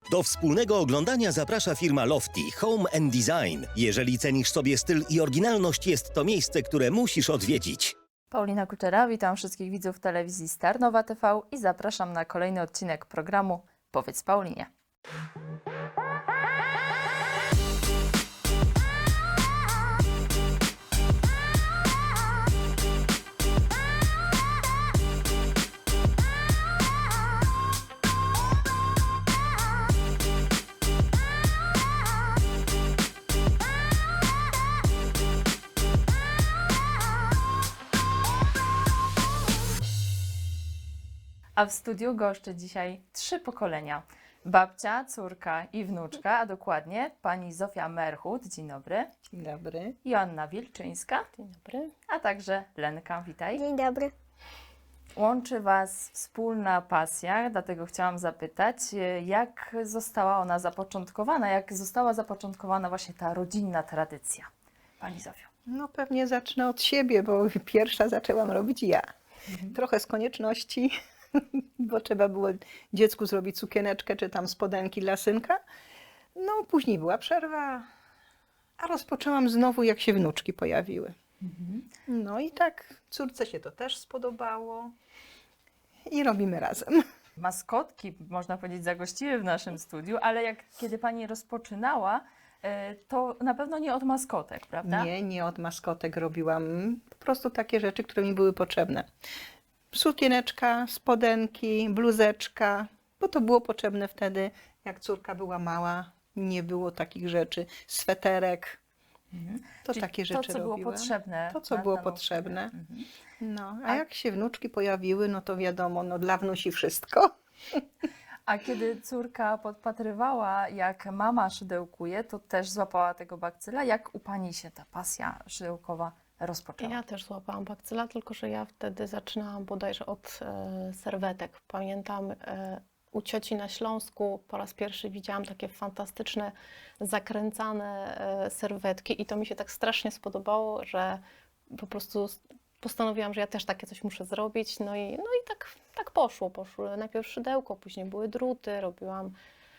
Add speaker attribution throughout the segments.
Speaker 1: Do wspólnego oglądania zaprasza firma Lofty Home and Design. Jeżeli cenisz sobie styl i oryginalność, jest to miejsce, które musisz odwiedzić.
Speaker 2: Paulina Kuczera, witam wszystkich widzów telewizji Starnowa TV i zapraszam na kolejny odcinek programu Powiedz Paulinie. A w studiu goszczę dzisiaj 3 pokolenia. Babcia, córka i wnuczka, a dokładnie pani Zofia Merchut, dzień dobry,
Speaker 3: Dzień dobry.
Speaker 2: Joanna Wilczyńska,
Speaker 3: Dzień dobry.
Speaker 2: a także Lenka, witaj.
Speaker 4: Dzień dobry.
Speaker 2: Łączy Was wspólna pasja, dlatego chciałam zapytać, jak została ona zapoczątkowana, jak została zapoczątkowana właśnie ta rodzinna tradycja, pani Zofio.
Speaker 3: No pewnie zacznę od siebie, bo pierwsza zaczęłam robić ja. Trochę z konieczności, bo trzeba było dziecku zrobić sukieneczkę czy tam spodenki dla synka. No później była przerwa, a rozpoczęłam znowu, jak się wnuczki pojawiły. No i tak córce się to też spodobało i robimy razem.
Speaker 2: Maskotki, można powiedzieć, zagościły w naszym studiu, ale kiedy pani rozpoczynała, to na pewno nie od maskotek, prawda?
Speaker 3: Nie od maskotek robiłam. Po prostu takie rzeczy, które mi były potrzebne. Sukieneczka, spodenki, bluzeczka, bo to było potrzebne wtedy, jak córka była mała, nie było takich rzeczy. Sweterek, to
Speaker 2: Czyli
Speaker 3: takie rzeczy
Speaker 2: to, co
Speaker 3: robiłam.
Speaker 2: było potrzebne.
Speaker 3: To, co
Speaker 2: na
Speaker 3: było
Speaker 2: daną
Speaker 3: potrzebne.
Speaker 2: chwilę.
Speaker 3: No, a jak się wnuczki pojawiły, no to wiadomo, no dla wnusi wszystko.
Speaker 2: A kiedy córka podpatrywała, jak mama szydełkuje, to też złapała tego bakcyla. Jak u pani się ta pasja szydełkowa rozpoczęła?
Speaker 5: Ja też złapałam bakcyla, tylko że ja wtedy zaczynałam bodajże od serwetek. Pamiętam, u cioci na Śląsku po raz pierwszy widziałam takie fantastyczne, zakręcane serwetki i to mi się tak strasznie spodobało, że po prostu postanowiłam, że ja też takie coś muszę zrobić. No i tak poszło. Poszły najpierw szydełko, później były druty, robiłam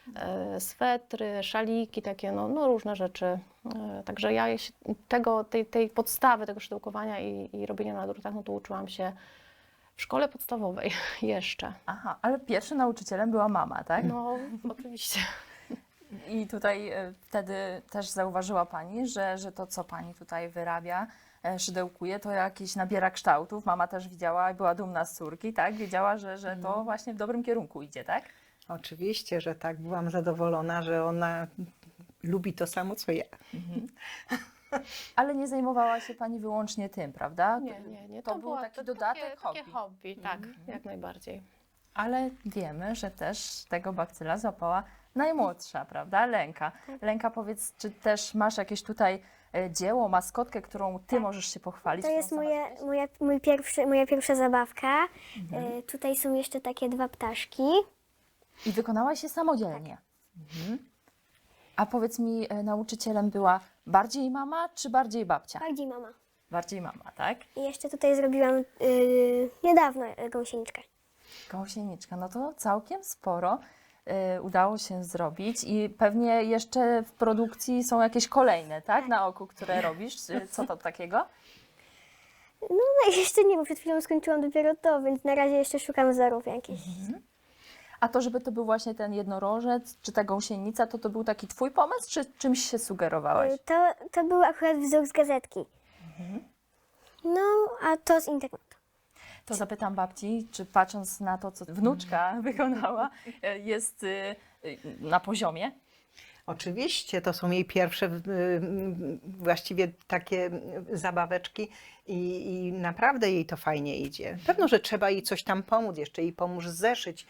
Speaker 5: swetry, szaliki, takie no różne rzeczy. Także ja się tej podstawy, tego szydełkowania i robienia na drutach, no to uczyłam się w szkole podstawowej jeszcze.
Speaker 2: Aha, ale pierwszym nauczycielem była mama, tak?
Speaker 5: No, oczywiście.
Speaker 2: I tutaj wtedy też zauważyła pani, że to, co pani tutaj wyrabia, szydełkuje, to jakieś nabiera kształtów. Mama też widziała i była dumna z córki, tak? Wiedziała, że to właśnie w dobrym kierunku idzie, tak?
Speaker 3: Oczywiście, że tak, byłam zadowolona, że ona lubi to samo, co ja.
Speaker 2: Ale nie zajmowała się pani wyłącznie tym, prawda?
Speaker 5: Nie.
Speaker 2: To był taki dodatek,
Speaker 5: takie
Speaker 2: hobby.
Speaker 5: hobby, tak, jak najbardziej.
Speaker 2: Ale wiemy, że też tego bakcyla złapała najmłodsza, prawda? Lenka. Lenka, powiedz, czy też masz jakieś tutaj dzieło, maskotkę, którą ty możesz się pochwalić?
Speaker 4: To jest
Speaker 2: którą sama
Speaker 4: moja pierwsza zabawka. Tutaj są jeszcze takie 2 ptaszki.
Speaker 2: I wykonałaś je samodzielnie. A powiedz mi, nauczycielem była bardziej mama, czy bardziej babcia?
Speaker 4: Bardziej mama.
Speaker 2: Bardziej mama, tak?
Speaker 4: I jeszcze tutaj zrobiłam niedawno gąsieniczkę.
Speaker 2: Gąsieniczka, no to całkiem sporo udało się zrobić i pewnie jeszcze w produkcji są jakieś kolejne, tak? Na oku, które robisz. Co to takiego?
Speaker 4: No jeszcze nie, bo przed chwilą skończyłam dopiero to, więc na razie jeszcze szukam wzorów jakichś.
Speaker 2: A to, żeby to był właśnie ten jednorożec, czy ta gąsienica, to był taki twój pomysł, czy czymś się sugerowałeś?
Speaker 4: To był akurat wzór z gazetki. No, a to z internetu.
Speaker 2: To zapytam babci, czy patrząc na to, co wnuczka wykonała, jest na poziomie?
Speaker 3: Oczywiście, to są jej pierwsze właściwie takie zabaweczki i naprawdę jej to fajnie idzie. Pewno, że trzeba jej coś tam pomóc, jeszcze jej pomóż zeszyć,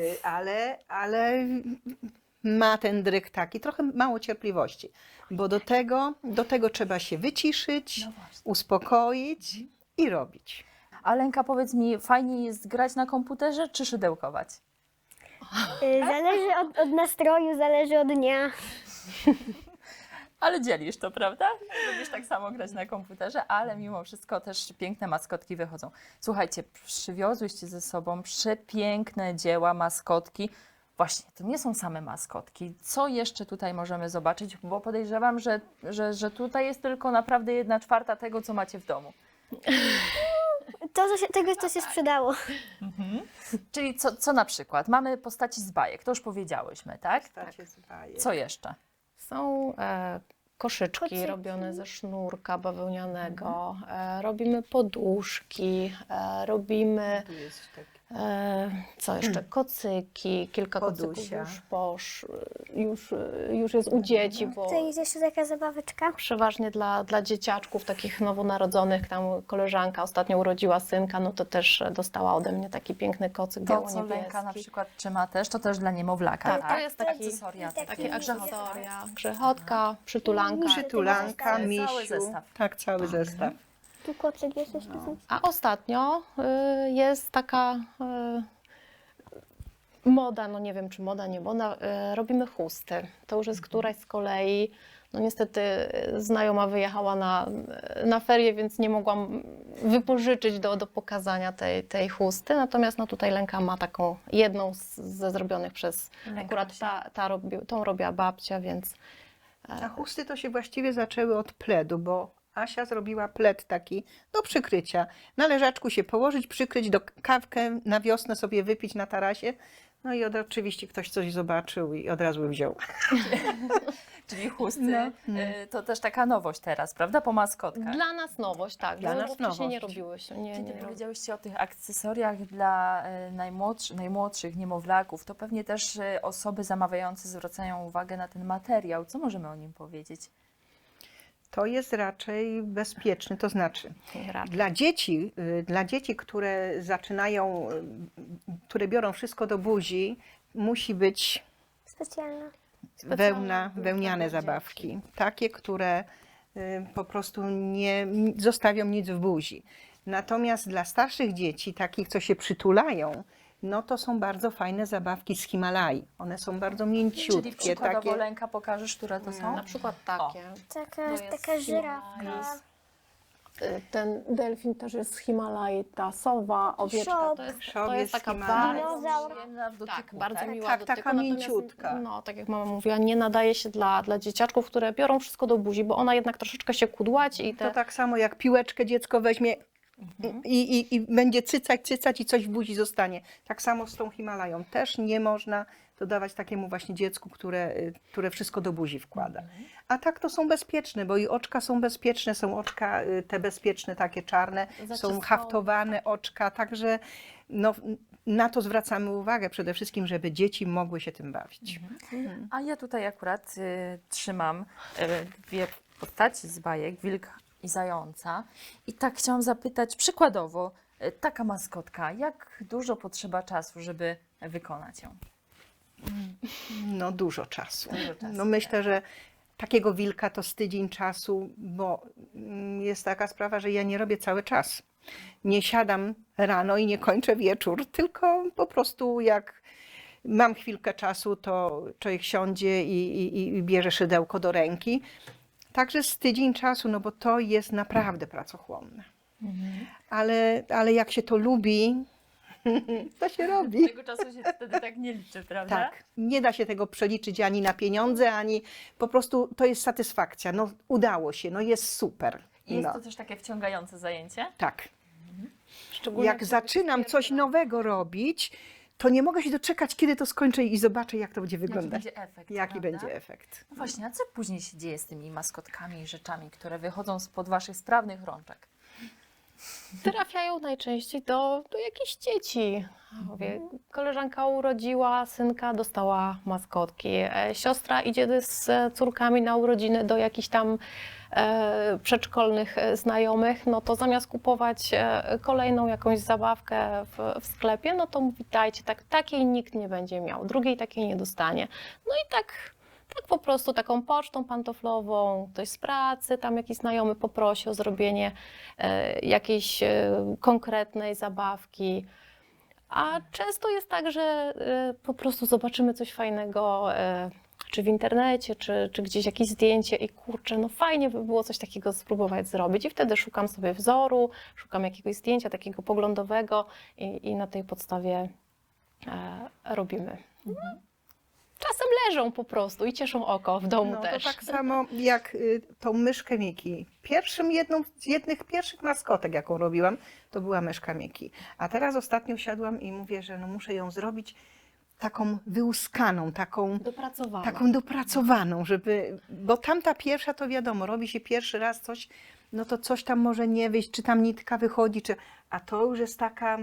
Speaker 3: ale ma ten dryg taki, trochę mało cierpliwości, bo do tego trzeba się wyciszyć,
Speaker 2: No właśnie.
Speaker 3: uspokoić i robić.
Speaker 2: A Lenka, powiedz mi, fajniej jest grać na komputerze, czy szydełkować?
Speaker 4: Zależy od nastroju, zależy od dnia.
Speaker 2: Ale dzielisz to, prawda? Lubisz tak samo grać na komputerze, ale mimo wszystko też piękne maskotki wychodzą. Słuchajcie, przywiozłyście ze sobą przepiękne dzieła, maskotki. Właśnie, to nie są same maskotki. Co jeszcze tutaj możemy zobaczyć? Bo podejrzewam, że tutaj jest tylko naprawdę 1/4 tego, co macie w domu.
Speaker 4: Tego, co się sprzedało.
Speaker 2: Czyli co na przykład? Mamy postaci z bajek, to już powiedziałyśmy, tak? Co jeszcze?
Speaker 5: Są koszyczki
Speaker 4: Kocyki.
Speaker 5: robione ze sznurka bawełnianego, robimy poduszki, robimy
Speaker 3: Tu jest taki.
Speaker 5: co jeszcze? Kocyki, kilka kocyków
Speaker 3: Podusia.
Speaker 5: już jest u dzieci, bo
Speaker 4: To jest jeszcze taka zabaweczka.
Speaker 5: przeważnie dla dzieciaczków takich nowonarodzonych, tam koleżanka ostatnio urodziła synka, no to też dostała ode mnie taki piękny kocyk
Speaker 2: To, co
Speaker 5: biało-niebieski.
Speaker 2: Lenka na przykład trzyma też, to też dla niemowlaka,
Speaker 5: Tak,
Speaker 2: tak?
Speaker 5: to jest taki-
Speaker 2: akcesoria.
Speaker 4: taki-
Speaker 2: takie
Speaker 5: Akcesoria, grzechotka, przytulanka.
Speaker 3: Przytulanka,
Speaker 2: Cały
Speaker 3: misiu.
Speaker 2: zestaw.
Speaker 3: Tak, cały zestaw.
Speaker 4: Tu kocyk jest jeszcze.
Speaker 5: A ostatnio jest taka moda, no nie wiem czy moda, nie moda, robimy chusty. To już jest któraś z kolei. No niestety znajoma wyjechała na ferie, więc nie mogłam wypożyczyć do pokazania tej chusty. Natomiast no tutaj Lenka ma taką jedną ze zrobionych przez akurat tą robiła babcia, więc
Speaker 3: A chusty to się właściwie zaczęły od pledu, bo Asia zrobiła pled taki do przykrycia. Na leżaczku się położyć, przykryć, do kawkę na wiosnę sobie wypić na tarasie. No i oczywiście ktoś coś zobaczył i od razu wziął.
Speaker 2: Czyli chusty, to też taka nowość teraz, prawda? Po maskotkach.
Speaker 5: dla nas nowość, tak.
Speaker 3: Dla
Speaker 5: bo
Speaker 3: nas
Speaker 5: wcześniej nie
Speaker 3: nowość.
Speaker 5: robiły się.
Speaker 2: Kiedy powiedziałyście o tych akcesoriach dla najmłodszych niemowlaków, to pewnie też osoby zamawiające zwracają uwagę na ten materiał. Co możemy o nim powiedzieć?
Speaker 3: To jest raczej bezpieczny, to znaczy
Speaker 5: Raczej.
Speaker 3: dla dzieci, które zaczynają, które biorą wszystko do buzi, musi być
Speaker 4: Specjalna.
Speaker 3: wełniane zabawki. Takie, które po prostu nie zostawią nic w buzi. Natomiast dla starszych dzieci, takich, co się przytulają, no to są bardzo fajne zabawki z Himalai. One są bardzo mięciutkie.
Speaker 2: Czyli przykładowo,
Speaker 3: takie.
Speaker 2: Lenka, pokażesz, które to są?
Speaker 5: Na przykład takie.
Speaker 4: Taka żyrawka.
Speaker 5: jest ten delfin też jest z Himalai, ta sowa, owieczka.
Speaker 4: Szop.
Speaker 5: To jest
Speaker 3: Szop
Speaker 5: taka
Speaker 3: jest
Speaker 5: bardzo,
Speaker 4: Dinozaur.
Speaker 2: Przyjemna w dotyku,
Speaker 5: tak, bardzo
Speaker 2: tak?
Speaker 5: miła
Speaker 3: Tak,
Speaker 5: do
Speaker 3: taka
Speaker 5: dotyku, natomiast,
Speaker 3: mięciutka.
Speaker 5: No, tak jak mama mówiła, nie nadaje się dla dzieciaczków, które biorą wszystko do buzi, bo ona jednak troszeczkę się kudłaci i
Speaker 3: To
Speaker 5: te...
Speaker 3: tak samo jak piłeczkę dziecko weźmie i będzie cycać i coś w buzi zostanie. Tak samo z tą Himalają. Też nie można to dawać takiemu właśnie dziecku, które wszystko do buzi wkłada. A tak to są bezpieczne, bo i oczka są bezpieczne, są oczka te bezpieczne, takie czarne, są
Speaker 5: Zaciskane.
Speaker 3: haftowane oczka, także no, na to zwracamy uwagę przede wszystkim, żeby dzieci mogły się tym bawić.
Speaker 2: A ja tutaj akurat trzymam dwie postaci z bajek, wilk i zająca. I tak chciałam zapytać, przykładowo, taka maskotka, jak dużo potrzeba czasu, żeby wykonać ją?
Speaker 3: No dużo czasu.
Speaker 2: Dużo czasu,
Speaker 3: No myślę, że takiego wilka to z tydzień czasu, bo jest taka sprawa, że ja nie robię cały czas. Nie siadam rano i nie kończę wieczór, tylko po prostu jak mam chwilkę czasu, to człowiek siądzie i bierze szydełko do ręki. Także z tydzień czasu, no bo to jest naprawdę pracochłonne. Ale jak się to lubi, to się robi.
Speaker 2: Tego czasu się wtedy tak nie liczy, prawda?
Speaker 3: Tak, nie da się tego przeliczyć ani na pieniądze, ani po prostu to jest satysfakcja. No udało się, no jest super.
Speaker 2: I jest
Speaker 3: No,
Speaker 2: to też takie wciągające zajęcie?
Speaker 3: tak.
Speaker 5: Szczególnie
Speaker 3: Jak zaczynam coś nowego robić, to nie mogę się doczekać, kiedy to skończę i zobaczę, jak to będzie wyglądać.
Speaker 2: Jaki będzie efekt,
Speaker 3: Jaki
Speaker 2: prawda?
Speaker 3: będzie efekt.
Speaker 2: No właśnie, a co później się dzieje z tymi maskotkami i rzeczami, które wychodzą spod waszych sprawnych rączek?
Speaker 5: trafiają najczęściej do jakichś dzieci. Mówię, koleżanka urodziła synka, dostała maskotki. Siostra idzie z córkami na urodziny do jakichś tam przedszkolnych znajomych, no to zamiast kupować kolejną jakąś zabawkę w sklepie, no to mówi, dajcie, takiej nikt nie będzie miał, drugiej takiej nie dostanie. No i tak po prostu taką pocztą pantoflową, ktoś z pracy, tam jakiś znajomy poprosi o zrobienie jakiejś konkretnej zabawki. A często jest tak, że po prostu zobaczymy coś fajnego, czy w internecie, czy gdzieś jakieś zdjęcie i kurczę, no fajnie by było coś takiego spróbować zrobić. I wtedy szukam sobie wzoru, szukam jakiegoś zdjęcia takiego poglądowego i na tej podstawie robimy. Czasem leżą po prostu i cieszą oko w domu
Speaker 3: No
Speaker 5: też.
Speaker 3: to tak samo jak tą myszkę Miki. Jedną z jednych pierwszych maskotek, jaką robiłam, to była myszka Miki. A teraz ostatnio siadłam i mówię, że no muszę ją zrobić taką wyłuskaną, taką dopracowaną, bo tamta pierwsza to wiadomo, robi się pierwszy raz coś, no to coś tam może nie wyjść, czy tam nitka wychodzi, a to już jest taka...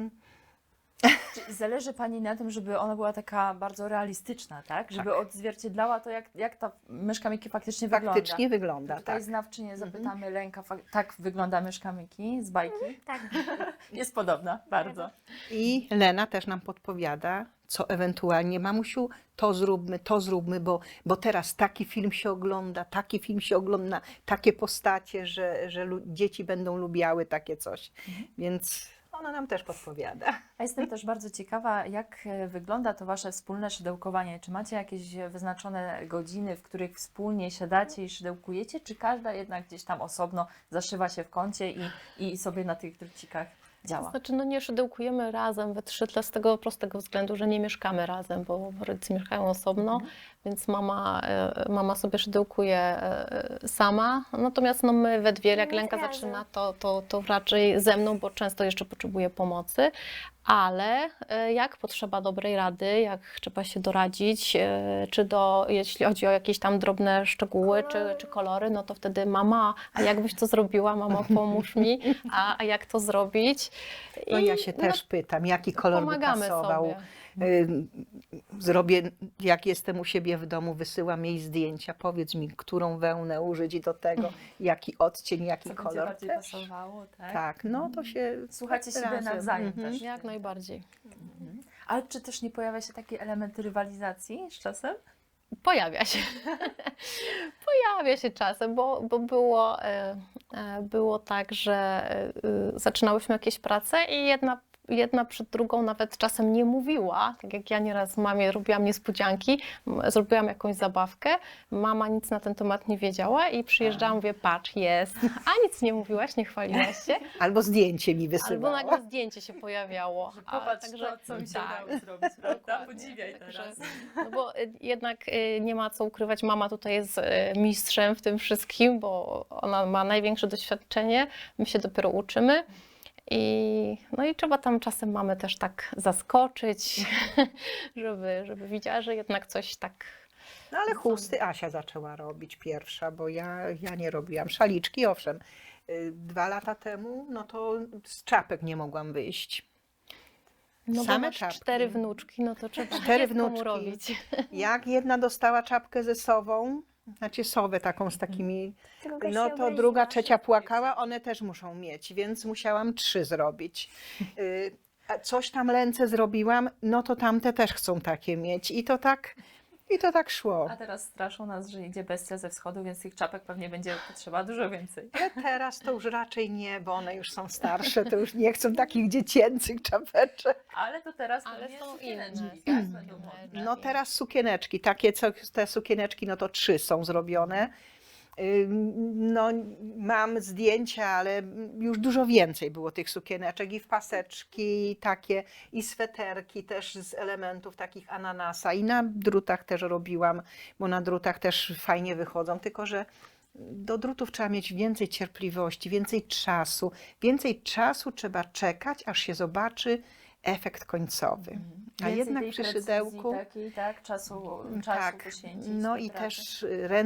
Speaker 2: Czy zależy Pani na tym, żeby ona była taka bardzo realistyczna, tak? Żeby odzwierciedlała to, jak ta myszka Miki faktycznie wygląda.
Speaker 3: Faktycznie wygląda,
Speaker 2: Tutaj
Speaker 3: tak.
Speaker 2: znawczynię zapytamy, Lenka, tak wygląda myszka Miki z bajki?
Speaker 4: Tak.
Speaker 2: Jest podobna, bardzo.
Speaker 3: I Lena też nam podpowiada, co ewentualnie, mamusiu, to zróbmy, bo teraz taki film się ogląda, takie postacie, że dzieci będą lubiały takie coś. Więc ona nam też podpowiada.
Speaker 2: A jestem też bardzo ciekawa, jak wygląda to Wasze wspólne szydełkowanie. Czy macie jakieś wyznaczone godziny, w których wspólnie siadacie i szydełkujecie, czy każda jednak gdzieś tam osobno zaszywa się w kącie i sobie na tych drucikach działa?
Speaker 5: Znaczy, no nie szydełkujemy razem we trzy, z tego prostego względu, że nie mieszkamy razem, bo rodzice mieszkają osobno, więc mama sobie szydełkuje sama, natomiast no my we dwie, jak Lenka
Speaker 4: razem.
Speaker 5: zaczyna, to raczej ze mną, bo często jeszcze potrzebuje pomocy, ale jak potrzeba dobrej rady, jak trzeba się doradzić, jeśli chodzi o jakieś tam drobne szczegóły czy kolory, no to wtedy mama, a jak byś to zrobiła, mamo, pomóż mi, a jak to zrobić?
Speaker 3: No ja się też pytam, jaki kolor by
Speaker 5: pomagamy
Speaker 3: pasował.
Speaker 5: sobie.
Speaker 3: Zrobię, jak jestem u siebie w domu, wysyłam jej zdjęcia, powiedz mi, którą wełnę użyć i do tego, jaki odcień, jaki
Speaker 2: Co będzie
Speaker 3: kolor.
Speaker 2: bardziej
Speaker 3: Też.
Speaker 2: pasowało, tak?
Speaker 3: Tak, no to się
Speaker 2: Słuchacie siebie
Speaker 3: razem.
Speaker 2: nawzajem też.
Speaker 5: Jak najbardziej.
Speaker 2: Ale czy też nie pojawia się taki element rywalizacji z czasem?
Speaker 5: Pojawia się. Pojawia się czasem, bo było tak, że zaczynałyśmy jakieś prace i jedna przed drugą nawet czasem nie mówiła. Tak jak ja nieraz mamie robiłam niespodzianki, zrobiłam jakąś zabawkę, mama nic na ten temat nie wiedziała i przyjeżdżałam, mówię, patrz, jest, a nic nie mówiłaś, nie chwaliłaś się.
Speaker 3: Albo zdjęcie mi
Speaker 5: Albo
Speaker 3: wysyłała.
Speaker 5: nagle zdjęcie się pojawiało.
Speaker 2: Popatrz, co mi się
Speaker 5: tak.
Speaker 2: udało zrobić, prawda?
Speaker 5: Dokładnie.
Speaker 2: Podziwiaj
Speaker 5: Także,
Speaker 2: teraz.
Speaker 5: no bo jednak nie ma co ukrywać, mama tutaj jest mistrzem w tym wszystkim, bo ona ma największe doświadczenie, my się dopiero uczymy. No i trzeba tam czasem mamy też tak zaskoczyć, żeby widziała, że jednak coś tak...
Speaker 3: No ale chusty Asia zaczęła robić pierwsza, bo ja nie robiłam. Szaliczki, owszem. 2 lata temu, no to z czapek nie mogłam wyjść.
Speaker 5: No
Speaker 3: Same
Speaker 5: bo masz
Speaker 3: czapki.
Speaker 5: 4 wnuczki, no to trzeba
Speaker 3: 4
Speaker 5: dziecko mu
Speaker 3: wnuczki.
Speaker 5: robić.
Speaker 3: Jak jedna dostała czapkę ze sową, znaczy sowę taką z takimi,
Speaker 4: Druga
Speaker 3: no
Speaker 4: się
Speaker 3: to
Speaker 4: obraziła.
Speaker 3: druga, trzecia płakała, one też muszą mieć, więc musiałam 3 zrobić. A coś tam Lence zrobiłam, no to tamte też chcą takie mieć i to tak szło.
Speaker 2: A teraz straszą nas, że idzie bestia ze wschodu, więc tych czapek pewnie będzie potrzeba dużo więcej.
Speaker 3: Ale teraz to już raczej nie, bo one już są starsze, to już nie chcą takich dziecięcych czapeczek.
Speaker 2: Ale to teraz
Speaker 5: Ale
Speaker 2: pewnie
Speaker 5: są
Speaker 2: sukieneczki,
Speaker 5: inne.
Speaker 2: tak? Będą modne.
Speaker 3: No teraz sukieneczki, te sukieneczki, no to 3 są zrobione. No mam zdjęcia, ale już dużo więcej było tych sukieneczek i w paseczki takie, i sweterki też z elementów takich ananasa i na drutach też robiłam, bo na drutach też fajnie wychodzą, tylko że do drutów trzeba mieć więcej cierpliwości, więcej czasu trzeba czekać, aż się zobaczy efekt końcowy. A
Speaker 2: Więcej
Speaker 3: jednak
Speaker 2: tej
Speaker 3: przy
Speaker 2: precyzji
Speaker 3: szydełku
Speaker 2: takiej, tak, czasu
Speaker 3: tak,
Speaker 2: poświęcić.
Speaker 3: no
Speaker 2: tej
Speaker 3: i
Speaker 2: pracy.
Speaker 3: też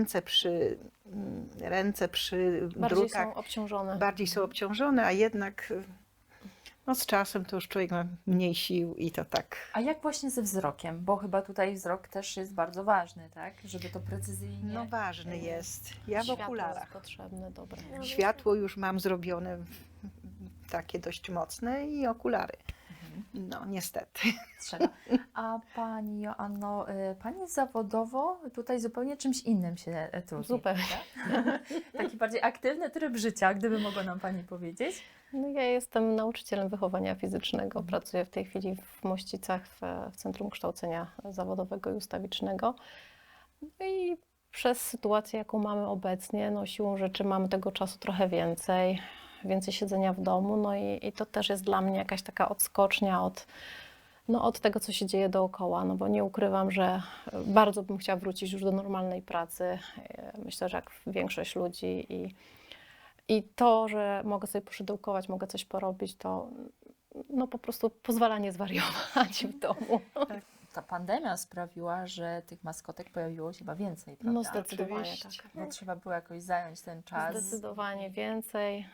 Speaker 3: ręce przy
Speaker 5: Bardziej
Speaker 3: drutach
Speaker 5: są obciążone.
Speaker 3: bardziej są obciążone, a jednak no z czasem to już człowiek ma mniej sił i to tak.
Speaker 2: A jak właśnie ze wzrokiem? Bo chyba tutaj wzrok też jest bardzo ważny, tak? Żeby to precyzyjnie...
Speaker 3: No ważny jest. Ja w
Speaker 5: Światło jest
Speaker 3: okularach.
Speaker 5: potrzebne, dobre.
Speaker 3: Światło już mam zrobione takie dość mocne i okulary. No niestety.
Speaker 2: Trzeba. A Pani Joanno, Pani zawodowo tutaj zupełnie czymś innym się trudni.
Speaker 5: Zupełnie.
Speaker 2: Tak? Taki bardziej aktywny tryb życia, gdyby mogła nam Pani powiedzieć.
Speaker 5: No ja jestem nauczycielem wychowania fizycznego. Pracuję w tej chwili w Mościcach w Centrum Kształcenia Zawodowego i Ustawicznego. No i przez sytuację, jaką mamy obecnie, no siłą rzeczy mamy tego czasu trochę więcej siedzenia w domu. No i to też jest dla mnie jakaś taka odskocznia No od tego, co się dzieje dookoła, no bo nie ukrywam, że bardzo bym chciała wrócić już do normalnej pracy. Myślę, że jak większość ludzi i to, że mogę sobie poszydełkować, mogę coś porobić, to no po prostu pozwala nie zwariować w domu.
Speaker 2: Ta pandemia sprawiła, że tych maskotek pojawiło się chyba więcej, prawda?
Speaker 5: No zdecydowanie
Speaker 3: Oczywiście.
Speaker 5: tak.
Speaker 2: Bo trzeba było jakoś zająć ten czas.
Speaker 5: Zdecydowanie więcej.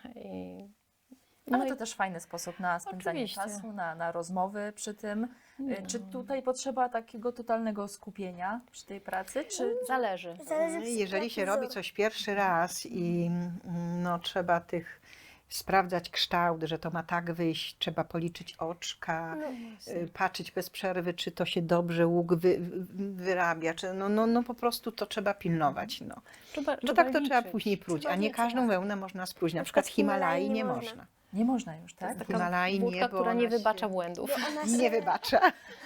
Speaker 2: Ale to też fajny sposób na spędzanie
Speaker 5: Oczywiście.
Speaker 2: czasu, na rozmowy przy tym. Czy tutaj potrzeba takiego totalnego skupienia przy tej pracy, czy
Speaker 5: Zależy.
Speaker 4: Zależy
Speaker 3: Jeżeli się
Speaker 4: jaki
Speaker 3: robi
Speaker 4: wzór.
Speaker 3: coś pierwszy raz i no, trzeba sprawdzać kształt, że to ma tak wyjść, trzeba policzyć oczka, patrzeć bez przerwy, czy to się dobrze łuk wyrabia, czy no po prostu to trzeba pilnować. No. No tak to trzeba
Speaker 5: liczyć.
Speaker 3: później próć,
Speaker 4: Trzeba
Speaker 3: a nie
Speaker 4: liczyć.
Speaker 3: każdą wełnę można spróć. Na przykład Himalai nie można.
Speaker 2: nie można już,
Speaker 5: To
Speaker 2: tak?
Speaker 5: jest taka
Speaker 3: Himalai nie,
Speaker 5: wódka,
Speaker 3: bo
Speaker 5: która
Speaker 3: ona
Speaker 5: nie
Speaker 3: się-
Speaker 5: wybacza błędów.
Speaker 4: Ona
Speaker 3: Nie
Speaker 4: się-
Speaker 3: wybacza.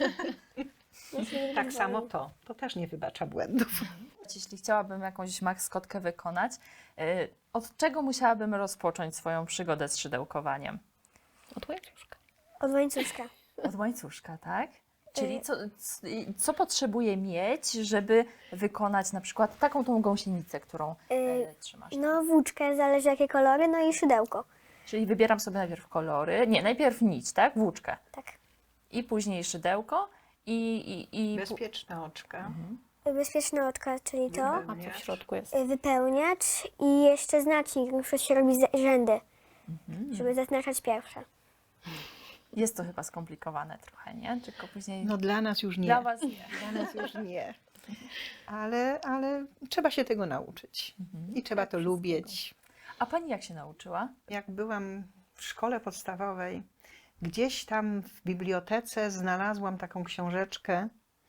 Speaker 4: ona się nie
Speaker 3: Tak
Speaker 4: wywali.
Speaker 3: samo to też nie wybacza błędów.
Speaker 2: Jeśli chciałabym jakąś maskotkę wykonać, od czego musiałabym rozpocząć swoją przygodę z szydełkowaniem?
Speaker 5: Od łańcuszka.
Speaker 4: Od łańcuszka.
Speaker 2: Od łańcuszka, tak? Czyli co potrzebuję mieć, żeby wykonać na przykład taką tą gąsienicę, którą trzymasz?
Speaker 4: No włóczkę, zależy jakie kolory, no i szydełko.
Speaker 2: Czyli wybieram sobie najpierw kolory, nie, najpierw nić, tak? Włóczkę.
Speaker 4: Tak.
Speaker 2: I później szydełko i
Speaker 3: Bezpieczne oczka.
Speaker 4: Bezpieczne oczka, czyli to.
Speaker 5: A co w środku jest?
Speaker 4: Wypełniacz i jeszcze znacznik, na przykład się robi rzędy, żeby zaznaczać pierwsze.
Speaker 2: jest to chyba skomplikowane trochę, nie? Tylko później
Speaker 3: No dla nas już nie.
Speaker 2: dla Was nie.
Speaker 3: Dla nas już nie. Ale trzeba się tego nauczyć. I trzeba to lubić.
Speaker 2: A Pani jak się nauczyła?
Speaker 3: Jak byłam w szkole podstawowej, gdzieś tam w bibliotece znalazłam taką książeczkę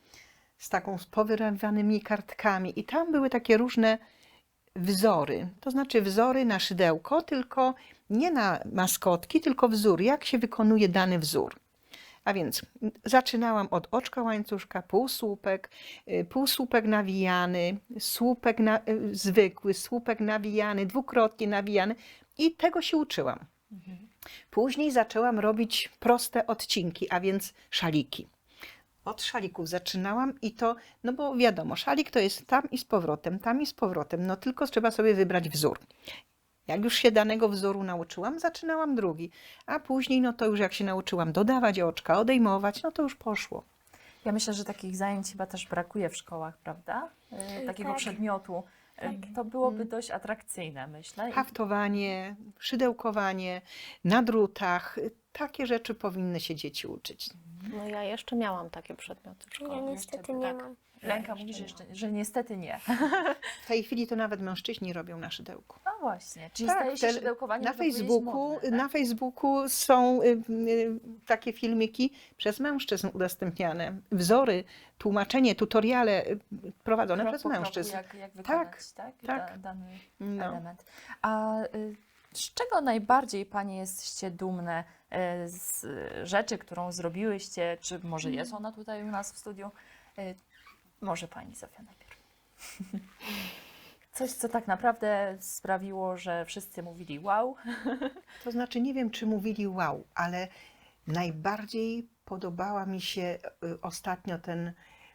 Speaker 3: z powyrywanymi kartkami. I tam były takie różne wzory. To znaczy wzory na szydełko, tylko nie na maskotki, tylko wzór. Jak się wykonuje dany wzór. A więc zaczynałam od oczka łańcuszka, półsłupek nawijany, słupek zwykły, słupek nawijany, dwukrotnie nawijany i tego się uczyłam. Później zaczęłam robić proste odcinki, a więc szaliki. Od szalików zaczynałam i to, no bo wiadomo, szalik to jest tam i z powrotem, no tylko trzeba sobie wybrać wzór. Jak już się danego wzoru nauczyłam, zaczynałam drugi, a później no to już jak się nauczyłam dodawać oczka, odejmować, no to już poszło.
Speaker 2: Ja myślę, że takich zajęć chyba też brakuje w szkołach, prawda? Takiego
Speaker 4: Tak.
Speaker 2: przedmiotu. To byłoby dość atrakcyjne, myślę.
Speaker 3: Haftowanie, szydełkowanie, na drutach, takie rzeczy powinny się dzieci uczyć.
Speaker 5: No ja jeszcze miałam takie przedmioty w
Speaker 4: Ja
Speaker 5: szkole.
Speaker 4: niestety nie mam.
Speaker 2: Lenka mówi, że niestety nie.
Speaker 3: W tej chwili to nawet mężczyźni robią na szydełku.
Speaker 2: No właśnie, czyli staje się szydełkowanie
Speaker 3: na
Speaker 2: już dopiero jest
Speaker 3: Facebooku,
Speaker 2: modne, tak?
Speaker 3: na Facebooku są takie filmiki przez mężczyzn udostępniane. Wzory, tłumaczenie, tutoriale prowadzone
Speaker 2: Krok
Speaker 3: przez
Speaker 2: po kroku,
Speaker 3: mężczyzn.
Speaker 2: jak wykonać
Speaker 3: tak.
Speaker 2: dany
Speaker 3: No.
Speaker 2: element. A z czego najbardziej Panie jesteście dumne z rzeczy, którą zrobiłyście? Czy może jest ona tutaj u nas w studiu? Może Pani Zofia najpierw. Coś, co tak naprawdę sprawiło, że wszyscy mówili wow.
Speaker 3: To znaczy, nie wiem, czy mówili wow, ale najbardziej podobała mi się ostatnio ten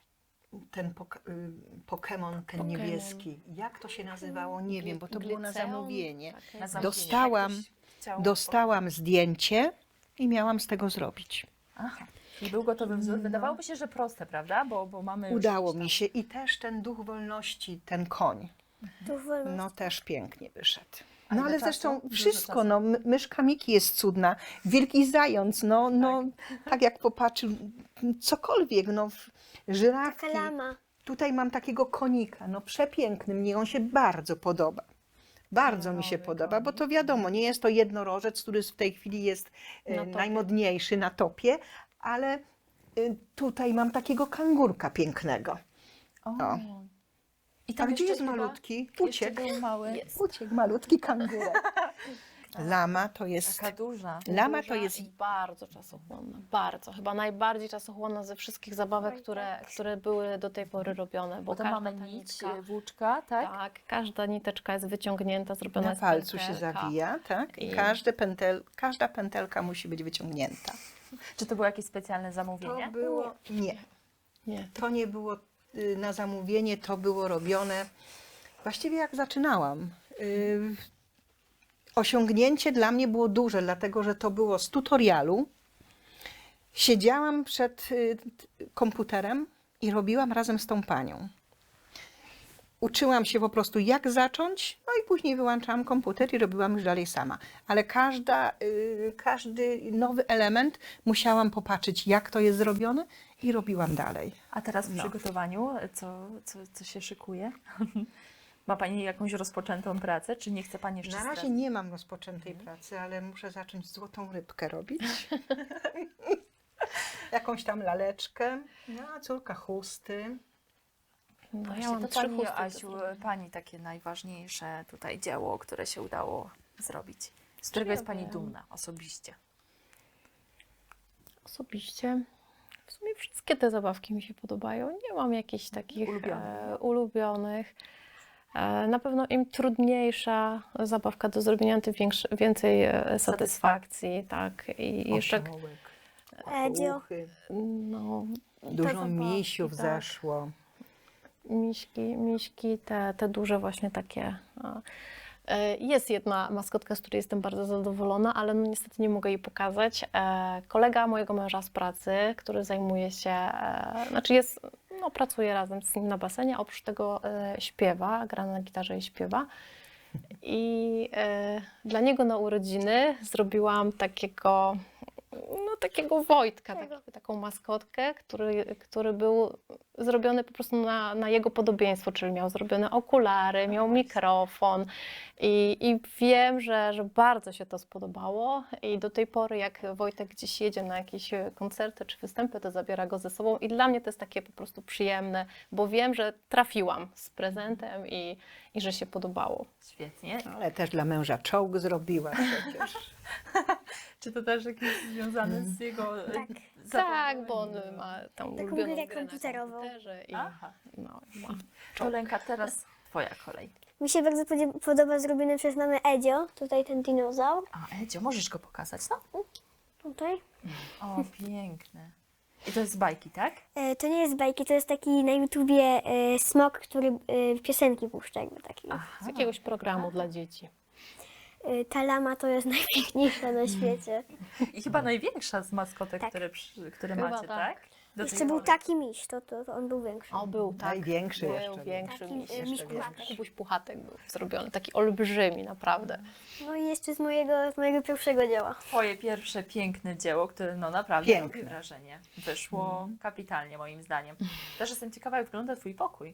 Speaker 3: Pokémon, ten niebieski. Jak to się nazywało? Nie wiem, bo to było na
Speaker 5: Gliceum?
Speaker 3: zamówienie.
Speaker 5: Takie.
Speaker 2: Na zamówienie.
Speaker 3: Dostałam,
Speaker 2: Jak ktoś chciał-
Speaker 3: dostałam zdjęcie i miałam z tego zrobić.
Speaker 2: Aha. I był gotowy wzór. Wydawałoby się, że proste, prawda? Bo mamy już
Speaker 3: Udało
Speaker 2: jakiś tam-
Speaker 3: mi się i też ten duch wolności, ten koń,
Speaker 4: Tu wolno.
Speaker 3: no też pięknie wyszedł.
Speaker 2: A
Speaker 3: No
Speaker 2: ile
Speaker 3: ale
Speaker 2: czasu?
Speaker 3: zresztą
Speaker 2: Dużo
Speaker 3: wszystko,
Speaker 2: czasu.
Speaker 3: no myszka Miki jest cudna, wielki zając, no tak jak popatrzył, cokolwiek, no żyrafki.
Speaker 4: Taka lama.
Speaker 3: Tutaj mam takiego konika, no przepiękny, mnie on się bardzo podoba. Bardzo mi się
Speaker 2: Kolorowy
Speaker 3: podoba, bo
Speaker 2: konik.
Speaker 3: to wiadomo, nie jest to jednorożec, który w tej chwili jest
Speaker 5: Na topie.
Speaker 3: najmodniejszy na topie, ale tutaj mam takiego kangurka pięknego.
Speaker 2: O.
Speaker 3: O.
Speaker 2: I
Speaker 3: A
Speaker 2: tam
Speaker 3: gdzie
Speaker 2: jeszcze
Speaker 3: jest
Speaker 2: chyba
Speaker 3: malutki?
Speaker 2: Jeszcze
Speaker 3: Uciekł.
Speaker 2: był mały.
Speaker 3: Uciekł malutki kangurek. Lama to jest...
Speaker 2: Taka duża.
Speaker 3: Lama to
Speaker 5: Duża
Speaker 3: jest...
Speaker 5: i bardzo czasochłonna, bardzo. Chyba najbardziej czasochłonna ze wszystkich zabawek, które były do tej pory robione.
Speaker 2: Bo to
Speaker 5: każda
Speaker 2: mamy
Speaker 5: ta
Speaker 2: nić,
Speaker 5: nitka-
Speaker 2: włóczka, tak?
Speaker 5: Tak, każda niteczka jest wyciągnięta, zrobiona
Speaker 3: Na
Speaker 5: z
Speaker 3: palcu się
Speaker 5: pętelka.
Speaker 3: zawija, tak? I
Speaker 5: I-
Speaker 3: każda pętelka musi być wyciągnięta.
Speaker 2: Czy to było jakieś specjalne zamówienie?
Speaker 3: To było, nie,
Speaker 5: Nie.
Speaker 3: to nie było na zamówienie, to było robione właściwie jak zaczynałam. Osiągnięcie dla mnie było duże, dlatego że to było z tutorialu. Siedziałam przed komputerem i robiłam razem z tą panią. Uczyłam się po prostu jak zacząć, no i później wyłączałam komputer i robiłam już dalej sama. Ale każdy nowy element musiałam popatrzeć, jak to jest zrobione i robiłam dalej.
Speaker 2: A teraz w
Speaker 3: No.
Speaker 2: przygotowaniu co się szykuje? Ma Pani jakąś rozpoczętą pracę, czy nie chce Pani jeszcze
Speaker 3: Na razie
Speaker 2: zdradzić?
Speaker 3: nie mam rozpoczętej pracy, ale muszę zacząć złotą rybkę robić. Jakąś tam laleczkę, no, a córka chusty.
Speaker 5: No,
Speaker 2: Właśnie,
Speaker 5: ja mam
Speaker 2: to
Speaker 5: 3
Speaker 2: Pani,
Speaker 5: chusty do
Speaker 2: Asiu,
Speaker 5: zrobienia.
Speaker 2: Pani takie najważniejsze tutaj dzieło, które się udało zrobić. Z którego jest Pani
Speaker 5: wiem.
Speaker 2: dumna osobiście?
Speaker 5: Osobiście w sumie wszystkie te zabawki mi się podobają. Nie mam jakichś takich ulubionych. Na pewno im trudniejsza zabawka do zrobienia, tym więcej satysfakcji. Tak. I jeszcze
Speaker 4: Edzio.
Speaker 3: Uchy.
Speaker 5: no,
Speaker 3: Dużo
Speaker 5: zabawki,
Speaker 3: misiów
Speaker 5: tak.
Speaker 3: zeszło.
Speaker 5: Miśki, te duże właśnie takie. Jest jedna maskotka, z której jestem bardzo zadowolona, ale no niestety nie mogę jej pokazać. Kolega mojego męża z pracy, który zajmuje się, pracuje razem z nim na basenie, a oprócz tego śpiewa, gra na gitarze i śpiewa. I dla niego na urodziny zrobiłam takiego Wojtka, taką maskotkę, który był zrobiony po prostu na jego podobieństwo, czyli miał zrobione okulary, miał mikrofon i wiem, że bardzo się to spodobało i do tej pory jak Wojtek gdzieś jedzie na jakieś koncerty czy występy, to zabiera go ze sobą i dla mnie to jest takie po prostu przyjemne, bo wiem, że trafiłam z prezentem i że się podobało.
Speaker 2: Świetnie.
Speaker 3: Ale też dla męża czołg zrobiła przecież.
Speaker 2: Czy to też jakieś związane z jego
Speaker 5: Tak, bo on ma tam
Speaker 4: Taką
Speaker 5: ulubioną
Speaker 4: grę
Speaker 5: grę na
Speaker 4: komputerową.
Speaker 5: komputerze i
Speaker 2: Aha.
Speaker 5: no, ma
Speaker 2: To Lenka, teraz Twoja kolej.
Speaker 4: Mi się bardzo podoba zrobione przez mamę Edzio, tutaj ten dinozaur,
Speaker 2: A Edzio, możesz go pokazać, no?
Speaker 4: tutaj.
Speaker 2: O, piękny. I to jest z bajki, tak?
Speaker 4: To nie jest bajki, to jest taki na YouTubie smok, który piosenki puszcza jakby taki.
Speaker 5: z jakiegoś programu dla dzieci.
Speaker 4: Ta lama to jest najpiękniejsza na świecie.
Speaker 2: I chyba największa z maskotek,
Speaker 4: Tak.
Speaker 2: które
Speaker 5: Chyba
Speaker 2: macie,
Speaker 5: tak.
Speaker 2: tak? Do tej
Speaker 4: Jeszcze był
Speaker 2: pory.
Speaker 4: taki miś, to on był większy.
Speaker 5: O, był tak.
Speaker 3: Największy
Speaker 5: był
Speaker 3: jeszcze był.
Speaker 5: większy
Speaker 4: Taki,
Speaker 5: miś.
Speaker 4: miś puchatek.
Speaker 5: Kubuś Puchatek był zrobiony, taki olbrzymi naprawdę.
Speaker 4: No i jeszcze z mojego pierwszego dzieła.
Speaker 2: Twoje pierwsze piękne dzieło, które no naprawdę
Speaker 3: Piękne.
Speaker 2: robi wrażenie. Wyszło kapitalnie moim zdaniem. Też jestem ciekawa, jak wygląda Twój pokój.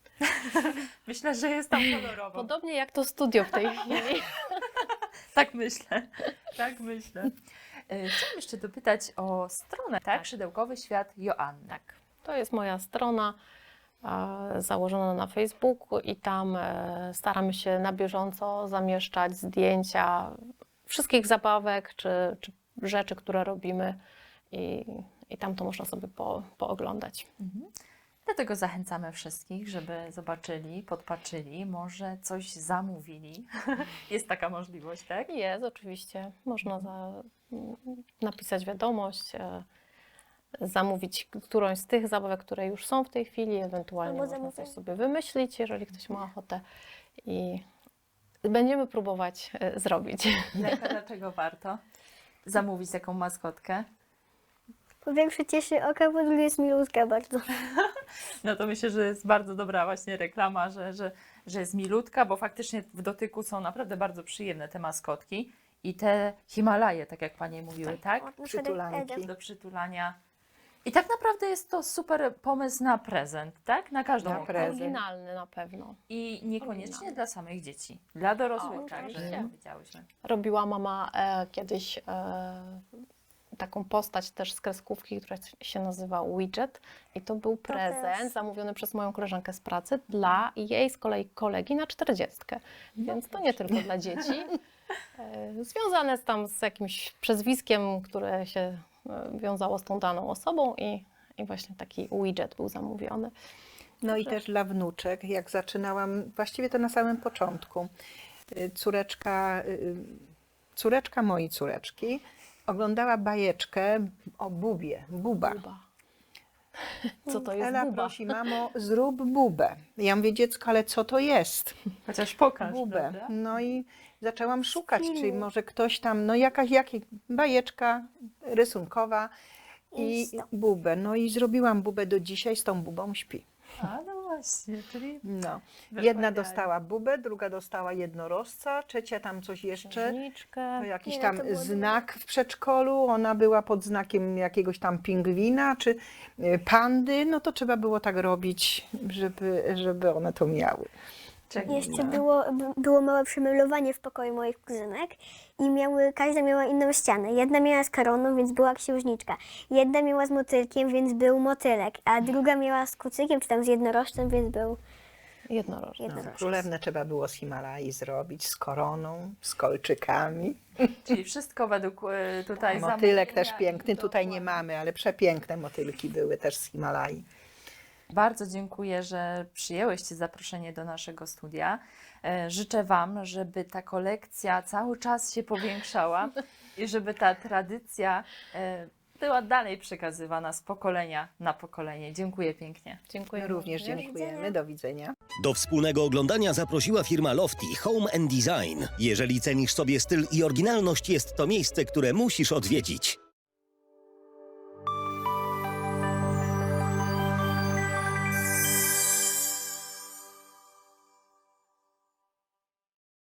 Speaker 2: Myślę, że jest tam kolorowo.
Speaker 5: Podobnie jak to studio w tej chwili.
Speaker 2: Tak myślę, tak myślę. Chciałam jeszcze dopytać o stronę, tak? Szydełkowy Świat Joanny.
Speaker 5: Tak, to jest moja strona założona na Facebooku i tam staramy się na bieżąco zamieszczać zdjęcia wszystkich zabawek czy rzeczy, które robimy i tam to można sobie pooglądać.
Speaker 2: Dlatego zachęcamy wszystkich, żeby zobaczyli, podpatrzyli, może coś zamówili. Jest taka możliwość, tak?
Speaker 5: Jest, oczywiście. Można napisać wiadomość, zamówić którąś z tych zabawek, które już są w tej chwili, ewentualnie
Speaker 4: Albo
Speaker 5: można coś
Speaker 4: zamówić.
Speaker 5: sobie wymyślić, jeżeli ktoś ma ochotę i będziemy próbować zrobić.
Speaker 2: Lenka, dlaczego warto zamówić taką maskotkę?
Speaker 4: Po pierwsze cieszy oka, po drugie jest milutka bardzo.
Speaker 2: No to myślę, że jest bardzo dobra właśnie reklama, że jest milutka, bo faktycznie w dotyku są naprawdę bardzo przyjemne te maskotki i te Himalaje, tak jak Panie mówiły, tak?
Speaker 4: O, na przykład
Speaker 3: Przytulanki.
Speaker 4: Edzio.
Speaker 2: Do przytulania. I tak naprawdę jest to super pomysł na prezent, tak? Na każdą
Speaker 3: Na
Speaker 2: okazję.
Speaker 3: prezent.
Speaker 5: Oryginalny na pewno.
Speaker 2: I niekoniecznie
Speaker 5: Oryginalny.
Speaker 2: dla samych dzieci. Dla dorosłych
Speaker 5: O,
Speaker 2: także,
Speaker 5: oczywiście.
Speaker 2: jak widziałyśmy.
Speaker 5: Robiła mama kiedyś taką postać też z kreskówki, która się nazywa Widget i to był prezent zamówiony przez moją koleżankę z pracy dla jej z kolei kolegi na 40. Więc to nie tylko dla dzieci. Związane z jakimś przezwiskiem, które się wiązało z tą daną osobą i właśnie taki widget był zamówiony.
Speaker 3: No i też dla wnuczek, jak zaczynałam, właściwie to na samym początku. Córeczka mojej córeczki oglądała bajeczkę o bubie, buba.
Speaker 5: Buba. Co to jest
Speaker 3: Ela
Speaker 5: buba?
Speaker 3: prosi, mamo, zrób bubę. Ja mówię, dziecko, ale co to jest?
Speaker 2: Chociaż pokaż,
Speaker 3: Bubę.
Speaker 2: prawda?
Speaker 3: No i zaczęłam szukać, czy może ktoś tam, no jakaś bajeczka rysunkowa i bubę. No i zrobiłam bubę, do dzisiaj z tą bubą śpi.
Speaker 2: A, no właśnie, czyli
Speaker 3: No.
Speaker 2: Wychwaniali.
Speaker 3: Jedna dostała bubę, druga dostała jednorożca, trzecia tam coś jeszcze.
Speaker 5: Księżniczkę.
Speaker 3: To jakiś
Speaker 4: Nie,
Speaker 3: tam
Speaker 4: to było
Speaker 3: znak w przedszkolu, ona była pod znakiem jakiegoś tam pingwina czy pandy, no to trzeba było tak robić, żeby one to miały.
Speaker 4: Jeszcze było małe przemeblowanie w pokoju moich kuzynek i każda miała inną ścianę. Jedna miała z koroną, więc była księżniczka. Jedna miała z motylkiem, więc był motylek, a druga miała z kucykiem, czy tam z jednorożcem, więc był
Speaker 5: Jednorożec.
Speaker 4: jednorożec.
Speaker 3: Królewne trzeba było z Himalai zrobić, z koroną, z kolczykami.
Speaker 2: Czyli wszystko według tutaj
Speaker 3: Motylek też
Speaker 2: zamówienia
Speaker 3: piękny,
Speaker 2: i
Speaker 3: tutaj nie
Speaker 2: dokładnie.
Speaker 3: mamy, ale przepiękne motylki były też z Himalai.
Speaker 2: Bardzo dziękuję, że przyjęłyście zaproszenie do naszego studia. Życzę Wam, żeby ta kolekcja cały czas się powiększała i żeby ta tradycja była dalej przekazywana z pokolenia na pokolenie. Dziękuję pięknie.
Speaker 5: Dziękuję.
Speaker 3: Również dziękujemy, do widzenia.
Speaker 1: Do wspólnego oglądania zaprosiła firma Lofty Home and Design. Jeżeli cenisz sobie styl i oryginalność, jest to miejsce, które musisz odwiedzić.